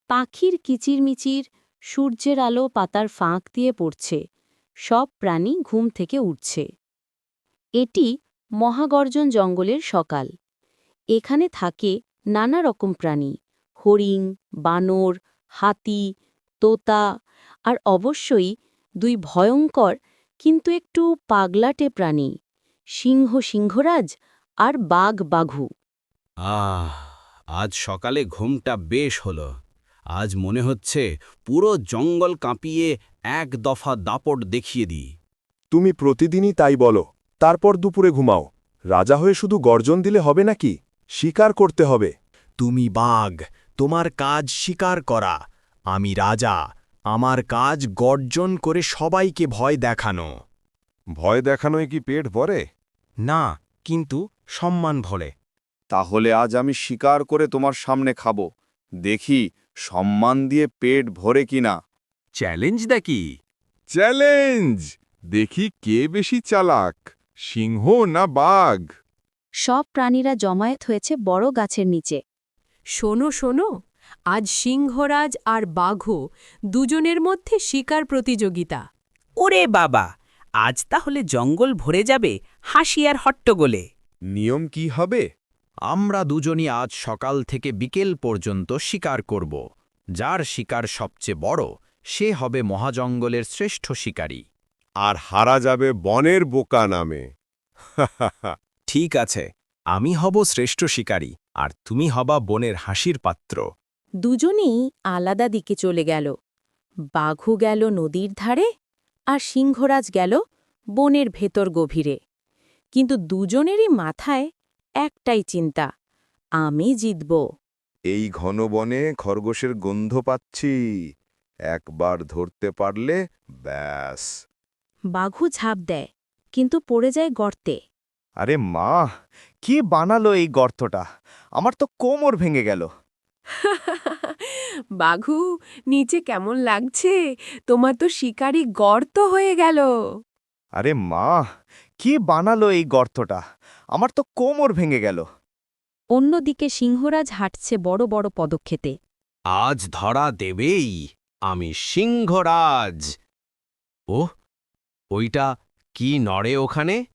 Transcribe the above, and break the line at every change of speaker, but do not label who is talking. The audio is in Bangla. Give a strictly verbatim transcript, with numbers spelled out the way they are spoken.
পাখির কিচিরমিচির, সূর্যের আলো পাতার ফাঁক দিয়ে পড়ছে, সব প্রাণী ঘুম থেকে উঠছে। এটি মহাগর্জন জঙ্গলের সকাল। এখানে থাকে নানা রকম প্রাণী, হরিণ, বানর, হাতি, তোতা, আর অবশ্যই দুই ভয়ঙ্কর কিন্তু একটু পাগলাটে প্রাণী, সিংহ সিংহরাজ আর বাঘ বাঘু।
আহ আজ সকালে ঘুমটা বেশ হলো। আজ মনে হচ্ছে পুরো জঙ্গল কাঁপিয়ে এক দফা দাপট দেখিয়ে দিই।
তুমি প্রতিদিনই তাই বলো, তারপর দুপুরে ঘুমাও। রাজা হয়ে শুধু গর্জন দিলে হবে নাকি? শিকার করতে হবে।
তুমি বাঘ, তোমার কাজ শিকার করা। আমি রাজা, আমার কাজ গর্জন করে সবাইকে ভয় দেখানো।
ভয় দেখানোয় কি পেট ভরে?
না, কিন্তু সম্মান ভরে।
তাহলে আজ আমি শিকার করে তোমার সামনে খাব। দেখি সম্মান দিয়ে পেট ভরে কিনা।
চ্যালেঞ্জ দেখি।
চ্যালেঞ্জ! দেখি কে বেশি চালাক, সিংহ না বাঘ।
সব প্রাণীরা জমায়েত হয়েছে বড় গাছের নিচে।
শোনো শোনো, আজ সিংহরাজ আর বাঘো দুজনের মধ্যে শিকার প্রতিযোগিতা।
ওরে বাবা, আজ তাহলে জঙ্গল ভরে যাবে হাসি আর হট্টগোলে।
নিয়ম কি হবে?
আমরা দুজনই আজ সকাল থেকে বিকেল পর্যন্ত শিকার করব। যার শিকার সবচেয়ে বড়, সে হবে মহাজঙ্গলের শ্রেষ্ঠ শিকারী।
আর হারা যাবে বনের বোকা নামে।
ঠিক আছে, আমি হব শ্রেষ্ঠ শিকারী, আর তুমি হবা বনের হাসির পাত্র।
দুজনেই আলাদা দিকে চলে গেল। বাঘু গেল নদীর ধারে, আর সিংহরাজ গেল বনের ভেতর গভীরে। কিন্তু দুজনেরই মাথায় একটাই চিন্তা, আমি জিতব।
এই ঘন বনে খরগোশের গন্ধ পাচ্ছি, একবার ধরতে পারলে ব্যাস।
বাঘু ঝাঁপ দেয়, কিন্তু পড়ে যায় গর্তে।
আরে মা, কে বানালো এই গর্তটা? আমার তো কোমর ভেঙে গেল।
বাঘু, নিচে কেমন লাগছে? তোমার তো শিকারি গর্ত হয়ে গেল।
আরে মা, কে বানালো এই গর্তটা? আমার তো কোমর ভেঙে গেল।
অন্যদিকে সিংহরাজ হাঁটছে বড় বড় পদক্ষেপে।
আজ ধরা দেবেই, আমি সিংহরাজ। ওহ, ওইটা কি নড়ে ওখানে?